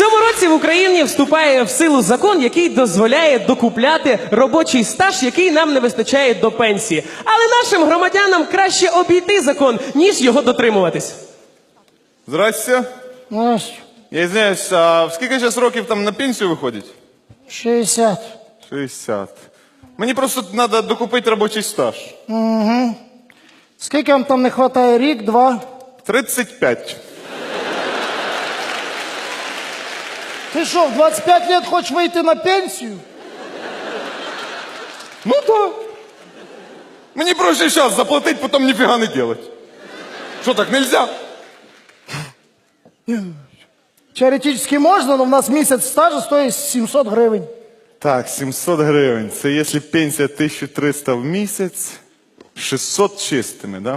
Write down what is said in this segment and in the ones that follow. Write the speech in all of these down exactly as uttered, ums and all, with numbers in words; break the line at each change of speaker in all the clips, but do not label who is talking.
цьому році в Україні вступає в силу закон, який дозволяє докупляти робочий стаж, який нам не вистачає до пенсії. Але нашим громадянам краще обійти закон, ніж його дотримуватись.
Здрасте.
Настя,
Я извиняюсь, а в скільки зараз років там на пенсію виходить?
шістдесят.
шістдесят. Мені просто треба докупити робочий стаж.
Угу. Скільки вам там не вистачає? Рік, два?
тридцять п'ять.
Ти що, в двадцять п'ять років хочеш вийти на пенсію?
Ну так. Мені проще зараз заплатити, потім ніфіга не робити. Що, так нельзя?
Теоретично можна, але в нас місяць стажу стоїть сімсот гривень.
Так, сімсот гривень. Це якщо пенсія тисяча триста в місяць, шістсот чистими, да?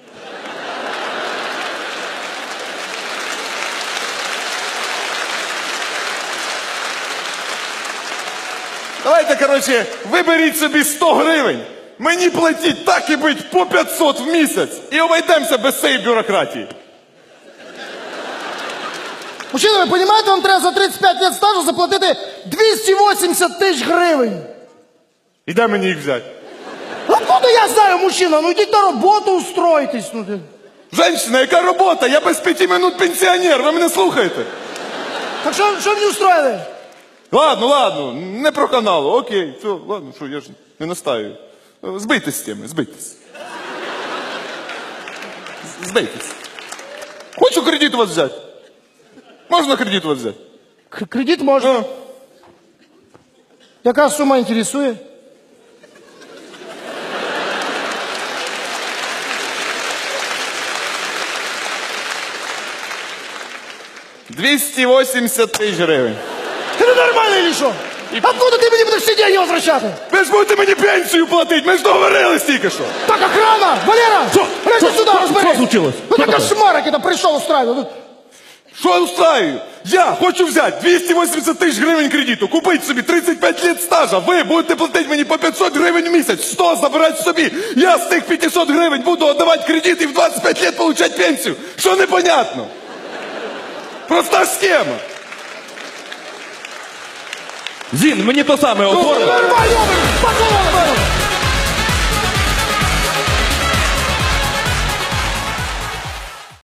Давайте, коротше, виберіть собі сто гривень. Мені платіть так і бить по п'ятсот в місяць. І обійдемося без цієї бюрократії.
Мужчина, ви розумієте, вам треба за тридцять п'ять років стажу заплатити двісті вісімдесят тисяч гривень.
І де мені їх взяти?
Откуда я знаю, мужчина? Ну йдіть на роботу, устройтесь. Ну, ти.
Женщина, яка робота? Я без п'яти минут пенсіонер, ви мене слухаєте?
Так що, що мені устроїли?
Ладно, ладно, не про каналу, окей, все, ладно, що, я ж не настаю. Збийтесь з теми, збийтесь. З- Збийтесь. Хочу кредит у вас взяти. Можна кредит у вас взяти?
К- Кредит можна.
Ну,
Яка сума інтересує?
двісті вісімдесят тисяч гривень.
Ти ненормальний чи що? Откуда ти мені будеш всі деньги возвращати?
Ви ж будете мені пенсію платити, ми ж договорились тільки що.
Так, охрана! Валера!
Що?
Речі
Що?
сюди,
Що?
розберись!
Що случилось?
Ну
Що
так
таке?
кошмар, який там прийшов устраивати.
Що я устраю? Я хочу взяти двісті вісімдесят тисяч гривень кредиту, купити собі тридцять п'ять років стажа. Ви будете платити мені по п'ятсот гривень в місяць, сто забирати собі. Я з тих п'ятсот гривень буду віддавати кредит і в двадцять п'ять років отримати пенсію. Що непонятно? Проста схема.
Зін, мені то саме оформи.
Нормально! Пошел вон!